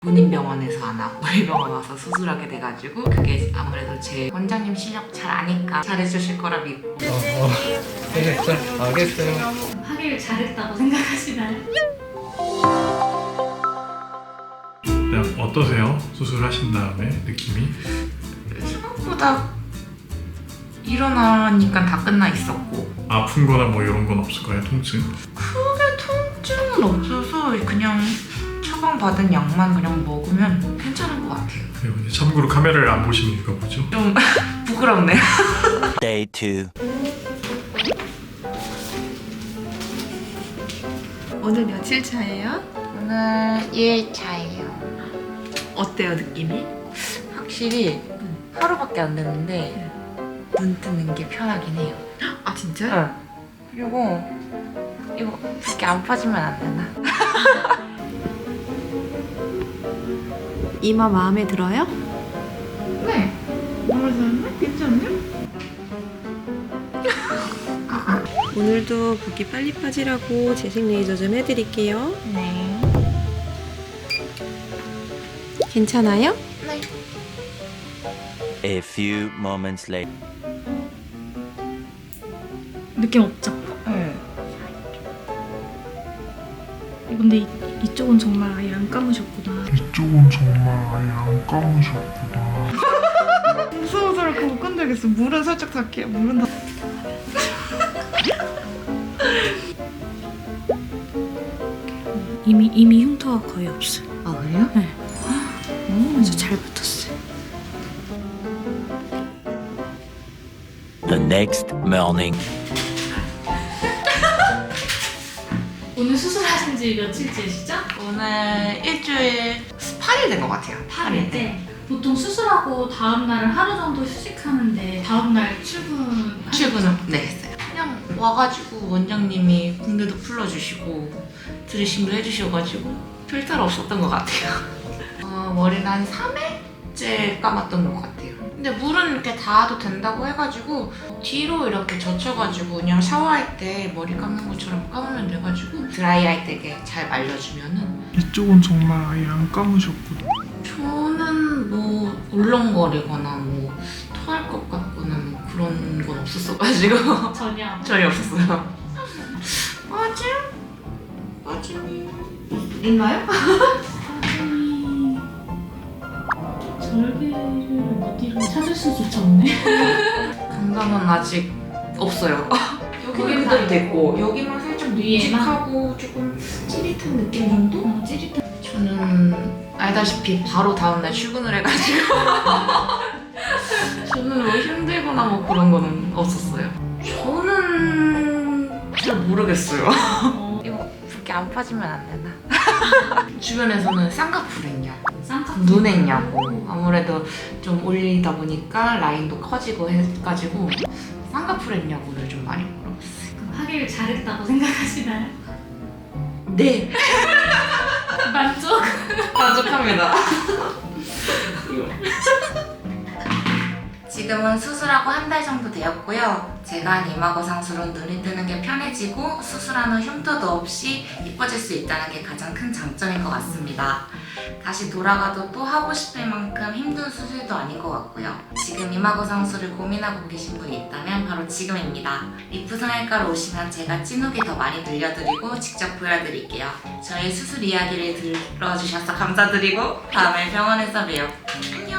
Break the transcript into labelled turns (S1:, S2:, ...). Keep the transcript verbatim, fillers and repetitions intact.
S1: 군인병원에서 안 하고 우리 병원 와서 수술하게 돼가지고 그게 아무래도 제 원장님 실력 잘 아니까 잘해주실 거라 믿고.
S2: 어, 어. 알겠어요. 알겠어요.
S3: 하길 잘했다고 생각하시나요?
S4: 그냥 어떠세요? 수술하신 다음에 느낌이?
S1: 생각보다 일어나니까 다 끝나 있었고
S4: 아픈 거나 뭐 이런 건 없을까요? 통증?
S1: 크게 통증은 없어서 그냥 처방받은 약만 그냥 먹으면 괜찮은 것 같아요.
S4: 그리고 이제 참고로 카메라를 안 보시는 이유가 뭐죠?
S1: 좀 부끄럽네요.
S5: Day two.
S6: 오늘 며칠 차예요?
S1: 오늘 일 차예요.
S6: 어때요 느낌이?
S1: 확실히 하루밖에 안 됐는데 눈 뜨는 게 편하긴 해요.
S6: 아 진짜?
S1: 응. 그리고 이거 붓기 안 빠지면 안 되나?
S6: 이마 마음에 들어요?
S1: 네. 마음에 드는데? 괜찮네요?
S6: 오늘도 붓기 빨리 빠지라고 재생 레이저 좀 해드릴게요.
S1: 네.
S6: 괜찮아요?
S1: 네.
S5: A few moments later.
S3: 느낌 없죠?
S1: 네.
S3: 근데 이, 이쪽은 정말 아예 안 감으셨구나.
S7: 이쪽은 정말 아예 안 감으셨구나.
S6: 무서워서 그렇게 못 건들겠어. 물은 살짝 닿게. 물은 다.
S3: 이미 이미 흉터가 거의 없어요.
S1: 아 그래요?
S3: 네.
S1: 음.
S3: 아주 잘 붙었어요.
S5: The next morning.
S3: 오늘 수술하신 지 며칠째시죠?
S1: 오늘 일주일 팔 일 된 것 같아요.
S3: 팔 일째. 보통 수술하고 다음 날은 하루 정도 휴식하는데 다음 날 출근
S1: 출근은 네 했어요. 그냥 와가지고 원장님이 붕대도 풀어주시고 드레싱도 해주셔가지고 별탈 없었던 것 같아요. 어, 머리는 한 삼 회째 감았던 것 같아요. 근데 물은 이렇게 닿아도 된다고 해가지고 뒤로 이렇게 젖혀가지고 그냥 샤워할 때 머리 감는 것처럼 감으면 돼가지고 드라이할 때 이렇게 잘 말려주면은
S7: 이쪽은 정말 아예 안 감으셨구나.
S1: 저는 뭐 울렁거리거나 뭐 토할 것 같거나 뭐 그런 건 없었어가지고
S3: 전혀.
S1: 전혀 없었어요. 빠짐? 빠짐이 있나요?
S3: 절개를 어디로 찾을 수조차 없네.
S1: 감각은 아직 없어요. 여기는
S3: 거기는
S1: 그대로
S3: 다
S1: 됐고 여기만 살짝
S3: 위에만?
S1: 묵직하고 조금 찌릿한 느낌 정도?
S3: 어, 찌릿한.
S1: 저는 알다시피 바로 다음날 출근을 해가지고 저는 뭐 힘들거나 뭐 그런 거는 없었어요. 저는 잘 모르겠어요.
S3: 어,
S1: 이거 붓기 안 빠지면 안 되나? 주변에서는 쌍꺼풀 했냐고
S3: 쌍꺼풀.
S1: 눈 했냐고 아무래도 좀 올리다 보니까 라인도 커지고 해가지고 쌍꺼풀 했냐고를 좀 많이 물어봤어요.
S3: 하길 잘했다고 생각하시나요?
S1: 네!
S3: 만족?
S1: 만족합니다. 지금은 수술하고 한 달 정도 되었고요. 제가 한 이마거 상수로 눈이 뜨는 게 편해지고 수술한 후 흉터도 없이 이뻐질 수 있다는 게 가장 큰 장점인 것 같습니다. 다시 돌아가도 또 하고 싶을 만큼 힘든 수술도 아닌 것 같고요. 지금 이마거 상수를 고민하고 계신 분이 있다면 바로 지금입니다. 리프 성형외과로 오시면 제가 찐후기 더 많이 들려드리고 직접 보여드릴게요. 저희 수술 이야기를 들어주셔서 감사드리고 다음에 병원에서 봬요. 안녕.